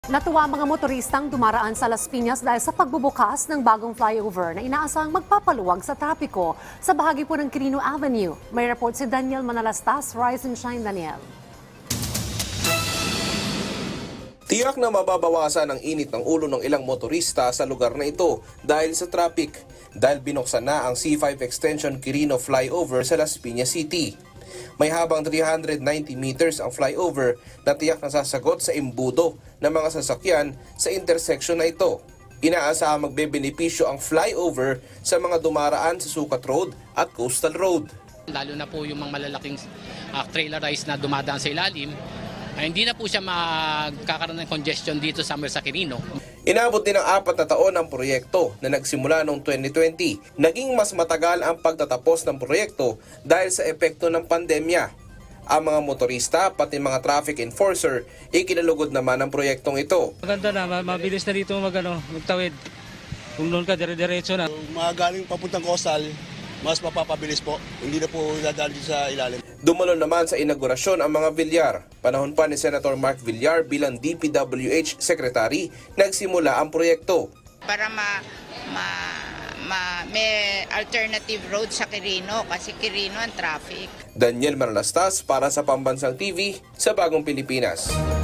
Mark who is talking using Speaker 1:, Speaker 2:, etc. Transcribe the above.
Speaker 1: Natuwa ang mga motoristang dumaraan sa Las Piñas dahil sa pagbubukas ng bagong flyover na inaasahang magpapaluwag sa trapiko sa bahagi po ng Quirino Avenue. May report si Daniel Manalastas. Rise and shine, Daniel.
Speaker 2: Tiyak na mababawasan ang init ng ulo ng ilang motorista sa lugar na ito dahil sa traffic, dahil binuksan na ang C5 Extension Quirino Flyover sa Las Piñas City. May habang 390 meters ang flyover na tiyak na sasagot sa imbudo ng mga sasakyan sa intersection na ito. Inaasahang magbebenepisyo ang flyover sa mga dumaraan sa Sukat Road at Coastal Road.
Speaker 3: Lalo na po yung mga malalaking trailerized na dumadaan sa ilalim, hindi na po siya magkakaroon ng congestion dito sa Quirino.
Speaker 2: Inabot din ng 4 na taon ang proyekto na nagsimula noong 2020. Naging mas matagal ang pagtatapos ng proyekto dahil sa epekto ng pandemya. Ang mga motorista pati mga traffic enforcer ikinalugod naman ang proyektong ito.
Speaker 4: Maganda na, mabilis na dito magtawid. Kung doon ka, dire-diretso na.
Speaker 5: Kung mga galing papuntang coastal, mas mapapabilis po. Hindi na po dadaan sa ilalim.
Speaker 2: Dumalo naman sa inaugurasyon ang mga Villar. Panahon pa ni Senator Mark Villar bilang DPWH Secretary, nagsimula ang proyekto.
Speaker 6: Para may alternative road sa Quirino kasi Quirino ang traffic.
Speaker 2: Daniel Manalastas para sa Pambansang TV sa Bagong Pilipinas.